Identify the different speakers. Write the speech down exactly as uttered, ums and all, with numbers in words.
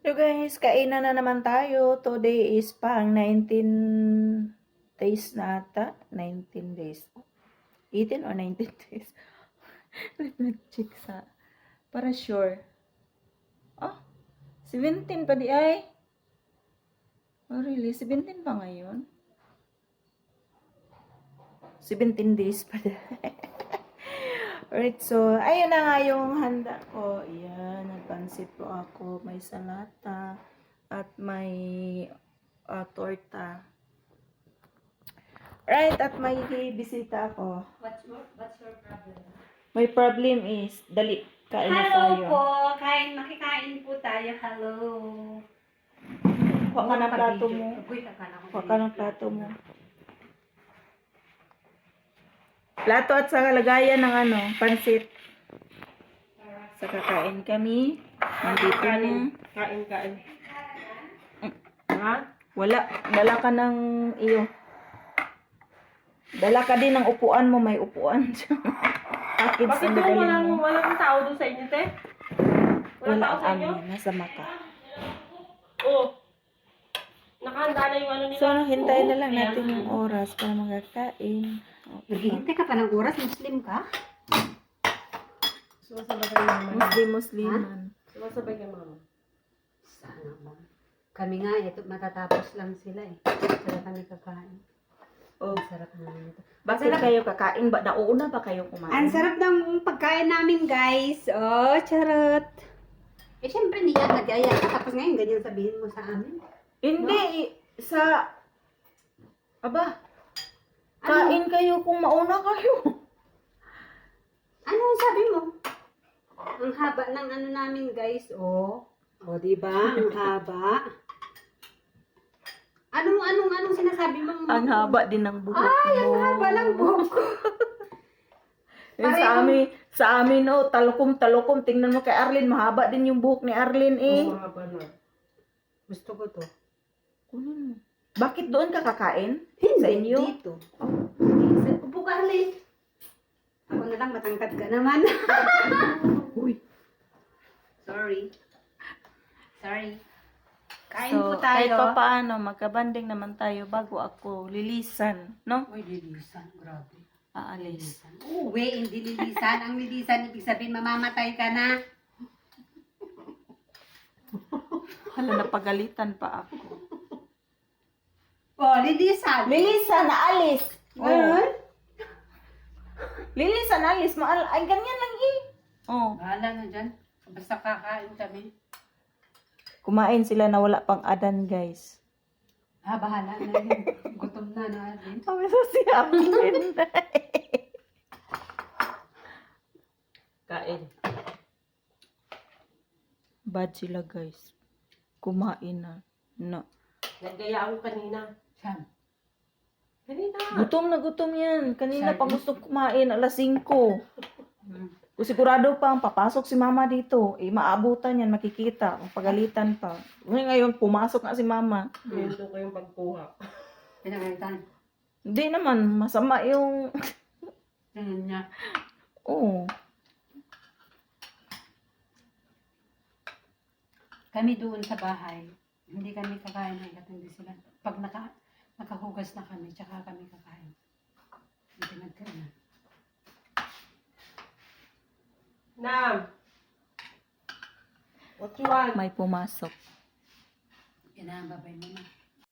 Speaker 1: So guys, kainan na naman tayo. Today is pang nineteen days na ata. nineteen days. eighteen or nineteen days. Let me check sa... Para sure. Ah, seventeen pa di ay. Oh really? seventeen pa ngayon? seventeen days pa di. Alright, so, ayun na nga yung handa ko. Ayan, nagpansit po ako. May salata at may uh, torta. Right, at may bisita ako.
Speaker 2: What's your, what's your problem?
Speaker 1: My problem is, dali, kain na
Speaker 2: Hello
Speaker 1: tayo.
Speaker 2: po! Kain, makikain po tayo. Hello!
Speaker 1: Kuha ka ng plato mo.
Speaker 2: Uy, kakala ko.
Speaker 1: Kuha ka ng plato mo. Plato at sa kalagayan ng ano, pansit. Sa kakain kami. Nandito na.
Speaker 3: Kain, kain.
Speaker 1: Ha? Wala. Dala ka ng iyo. Dala ka din ng upuan mo. May upuan siya. Package
Speaker 3: Bakit
Speaker 1: ang
Speaker 3: po
Speaker 1: dadalhin
Speaker 3: walang,
Speaker 1: mo.
Speaker 3: walang tao doon sa inyo, te? Walang
Speaker 1: Wala
Speaker 3: tao sa inyo?
Speaker 1: kami. Nasa maka.
Speaker 3: Oo. Nakahanda na yung ano nila.
Speaker 1: So, hintayin na lang
Speaker 3: Ayan.
Speaker 1: natin yung oras para magkakain. Okay.
Speaker 2: Naghihintay ka pa ng oras? Muslim ka?
Speaker 3: Sumasabay kayo naman.
Speaker 1: Muslim, Musliman.
Speaker 3: Sumasabay kayo mama.
Speaker 2: Sana mo. Kami nga, ito, matatapos lang sila eh. Sila kami kakain.
Speaker 1: Oh.
Speaker 2: Ang sarap naman ito.
Speaker 1: Bakit kayo kakain ba? Nauna ba kayo kumain?
Speaker 2: Ang sarap ng pagkain namin, guys. Oh, charot. Eh, syempre, hindi yan nag-aya ka. Tapos ngayon, ganyan sabihin mo sa amin.
Speaker 1: Hindi. i- Sa... Aba.
Speaker 2: Ano?
Speaker 1: Kain kayo kung mauna kayo.
Speaker 2: Ano sabi mo? Ang haba ng ano namin, guys. Oh. Oh, di ba? Ang haba. Anong, anong, anong sinasabi mo?
Speaker 1: Ang haba din ng buhok
Speaker 2: Ay,
Speaker 1: mo.
Speaker 2: ang haba ng buhok ko.
Speaker 1: Yung sa
Speaker 2: Parehong-
Speaker 1: amin, sa amin, oh, talukom-talukom. Tingnan mo kay Arlene, mahaba din yung buhok ni Arlene, eh.
Speaker 3: Oo, haba na.
Speaker 2: Gusto ko to.
Speaker 1: Kunin mo. Bakit doon ka kakain?
Speaker 2: Hindi,
Speaker 1: Sa inyo?
Speaker 2: dito. Sa upo ka, Arlene. Ako na lang, matangkad ka naman.
Speaker 1: Uy.
Speaker 2: Sorry. Sorry. Kain
Speaker 1: So,
Speaker 2: po tayo.
Speaker 1: kahit pa paano, magkabanding naman tayo bago ako lilisan, no?
Speaker 2: Uy, lilisan. Grabe.
Speaker 1: Aalis.
Speaker 2: Lilisan. Uwe, hindi lilisan. Ang lilisan, ibig sabihin, mamamatay ka na.
Speaker 1: Hala, napagalitan pa ako.
Speaker 2: Oh, lilisan.
Speaker 1: Lilisan, naalis!
Speaker 2: Ngayon?
Speaker 1: Lilisan, naalis. Maal ay, ganyan lang eh. Oh.
Speaker 2: Bahala na dyan. Basta kakain kami.
Speaker 1: Kumain sila na wala pang adan, guys.
Speaker 2: Ah, bahala na yun. Gutom na na din.
Speaker 1: Kami sa siyakin.
Speaker 3: Kain.
Speaker 1: Bad sila, guys. Kumain na. No.
Speaker 3: Nagaya ako kanina.
Speaker 2: Saan?
Speaker 3: Kanina.
Speaker 1: Gutom na gutom yan. Kanina
Speaker 2: Sabi-
Speaker 1: pa gusto kumain, alas singko.
Speaker 2: Hmm.
Speaker 1: Kung sigurado pang papasok si mama dito, eh maabutan yan, makikita, pagalitan pa. Ngayon, ngayon pumasok na si mama.
Speaker 3: Minto ko yung pagkuha.
Speaker 2: Pinagalitan.
Speaker 1: Hindi naman, masama yung...
Speaker 2: Tingnan niya.
Speaker 1: Oo.
Speaker 2: Kami doon sa bahay, hindi kami kakain hanggat hindi sila. Pag naka, nakahugas na kami, tsaka kami kakain. Hindi nagkain.
Speaker 3: Nam! What you want?
Speaker 1: May pumasok.
Speaker 2: Yan na, babay mo na.